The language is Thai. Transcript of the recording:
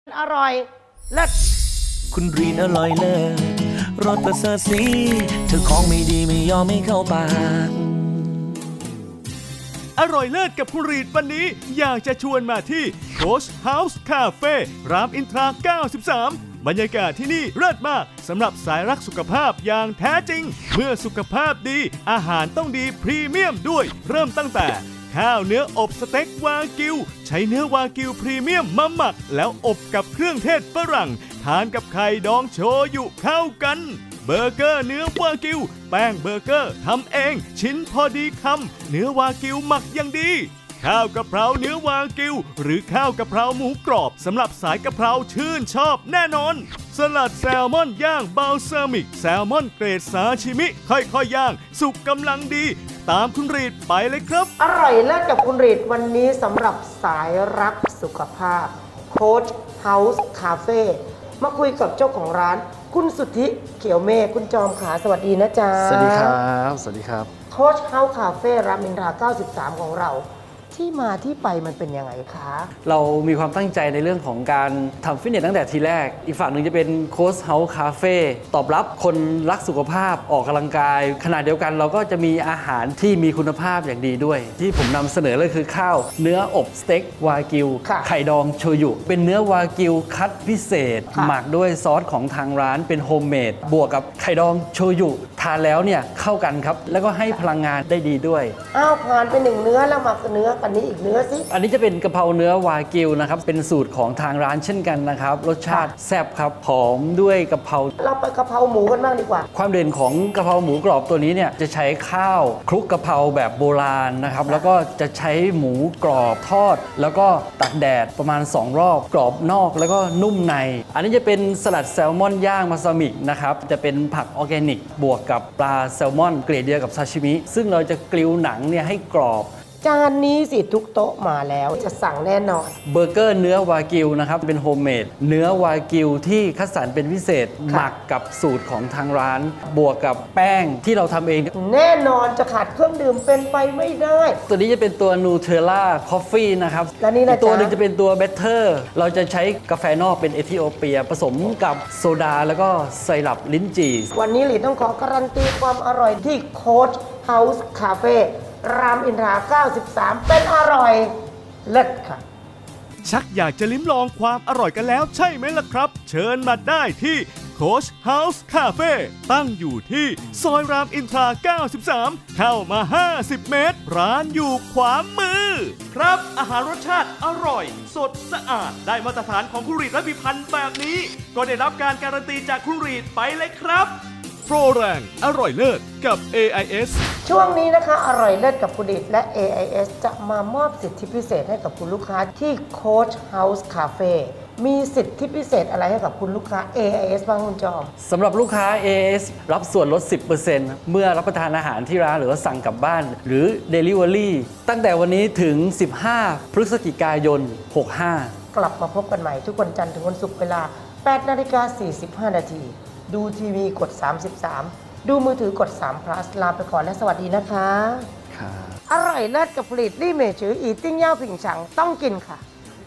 อร่อยเลิศคุณรีนอร่อยเลิศรสประเสริฐสีเธอของไม่ดีไม่ยอมไม่เข้าปากอร่อยเลิศกับคุณรีดวันนี้อยากจะชวนมาที่ Coach House Cafe รามอินทรา 93 บรรยากาศที่นี่เลิศมากสำหรับสายรักสุขภาพอย่างแท้จริง เมื่อสุขภาพดีอาหารต้องดีพรีเมียมด้วย เริ่มตั้งแต่ข้าวเนื้ออบสเต็กวากิวใช้เนื้อวากิวพรีเมียมมาหมักแล้วอบกับเครื่องเทศฝรั่งทานกับไข่ดองโชยุเข้ากันเบอร์เกอร์เนื้อวากิวแป้งเบอร์เกอร์ทำเองชิ้นพอดีคำเนื้อวากิวหมักอย่างดีข้าวกะเพราเนื้อวากิวหรือข้าวกะเพราหมูกรอบสำหรับสายกะเพราชื่นชอบแน่นอนสลัดแซลมอนย่างบัลซามิกแซลมอนเกรดซาชิมิค่อยๆย่างสุกกำลังดีตามคุณรีดไปเลยครับอร่อยเลิศกับคุณรีดวันนี้สำหรับสายรักสุขภาพ Coach House Cafe มาคุยกับเจ้าของร้านคุณสุทธิเขียวเมฆคุณจอมขาสวัสดีนะจ๊ะสวัสดีครับสวัสดีครับ Coach House Cafe รามอินทรา 93 ของเราที่มาที่ไปมันเป็นยังไงคะเรามีความตั้งใจในเรื่องของการทำฟิตเนสตั้งแต่ทีแรกอีกฝั่งหนึ่งจะเป็นโค้ชเฮาส์คาเฟ่ตอบรับคนรักสุขภาพออกกำลังกายขณะเดียวกันเราก็จะมีอาหารที่มีคุณภาพอย่างดีด้วย ที่ผมนำเสนอเลยคือข้าวเนื้ออบสเต็กวากิวไข่ดองโชยุเป็นเนื้อวากิวคัดพิเศษหมักด้วยซอสของทางร้านเป็นโฮมเมดบวกกับไข่ดองโชยุทานแล้วเนี่ยเข้ากันครับแล้วก็ให้พลังงานได้ดีด้วยอ้าวผ่านไปหนึ่งเนื้อแล้วมาเนื้ออันนี้อีกเนื้อสิอันนี้จะเป็นกะเพราเนื้อวากิวนะครับเป็นสูตรของทางร้านเช่นกันนะครับรสชาติแซ่บครับหอมด้วยกะเพราเราไปกะเพราหมูกันบ้างดีกว่าความเด่นของกะเพราหมูกรอบตัวนี้เนี่ยจะใช้ข้าวคลุกกะเพราแบบโบราณนะครับแล้วก็จะใช้หมูกรอบทอดแล้วก็ตากแดดประมาณ2รอบกรอบนอกแล้วก็นุ่มในอันนี้จะเป็นสลัดแซลมอนย่างมาซามิกนะครับจะเป็นผักออร์แกนิกบวกกับปลาแซลมอนเกรดเดียวกับซาชิมิซึ่งเราจะกริลหนังเนี่ยให้กรอบจานนี้สิทุกโต๊ะมาแล้วจะสั่งแน่นอนเบอร์เกอร์เนื้อวากิวนะครับเป็นโฮมเมดเนื้อวากิวที่คัดสรรเป็นพิเศษหมักกับสูตรของทางร้านบวกกับแป้งที่เราทำเองแน่นอนจะขาดเครื่องดื่มเป็นไปไม่ได้ตัวนี้จะเป็นตัวนูเทลล่าคอฟฟี่นะครับและนี่นะตัวหนึ่งจะเป็นตัวเบเทอร์เราจะใช้กาแฟนอกเป็นเอธิโอเปียผสมกับโซดาแล้วก็ไซรัปลิ้นจี่วันนี้หลีต้องขอการันตีความอร่อยที่โค้ชเฮาส์คาเฟ่รามอินทรา 93 เป็นอร่อยเลิศค่ะชักอยากจะลิ้มลองความอร่อยกันแล้วใช่ไหมล่ะครับเชิญมาได้ที่ Coach House Cafe ตั้งอยู่ที่ซอยรามอินทรา 93 เข้ามา 50 เมตรร้านอยู่ขวามือครับอาหารรสชาติอร่อยสดสะอาดได้มาตรฐานของคุณรีดและพิพันธ์แบบนี้ก็ได้รับการการันตีจากคุณรีดไปเลยครับโปรแรงอร่อยเลิศกับ AIS ช่วงนี้นะคะอร่อยเลิศกับคุณดิษและ AIS จะมามอบสิทธิพิเศษให้กับคุณลูกค้าที่ Coach House Cafe มีสิทธิพิเศษอะไรให้กับคุณลูกค้า AIS บ้างคุณจอมสำหรับลูกค้า AIS รับส่วนลด 10% เมื่อรับประทานอาหารที่ร้านหรือว่าสั่งกลับบ้านหรือ Delivery ตั้งแต่วันนี้ถึง 15 พฤศจิกายน 65 กลับมาพบกันใหม่ทุกวันจันทร์ถึงวันศุกร์เวลา 8:45 น.ดูทีวีกด 33 ดูมือถือกด3 plus ลาไปก่อนและสวัสดีนะคะอร่อยเลิศกับผลิตลี่เมจืออีติ้งเย่าผิงฉังต้องกินค่ะ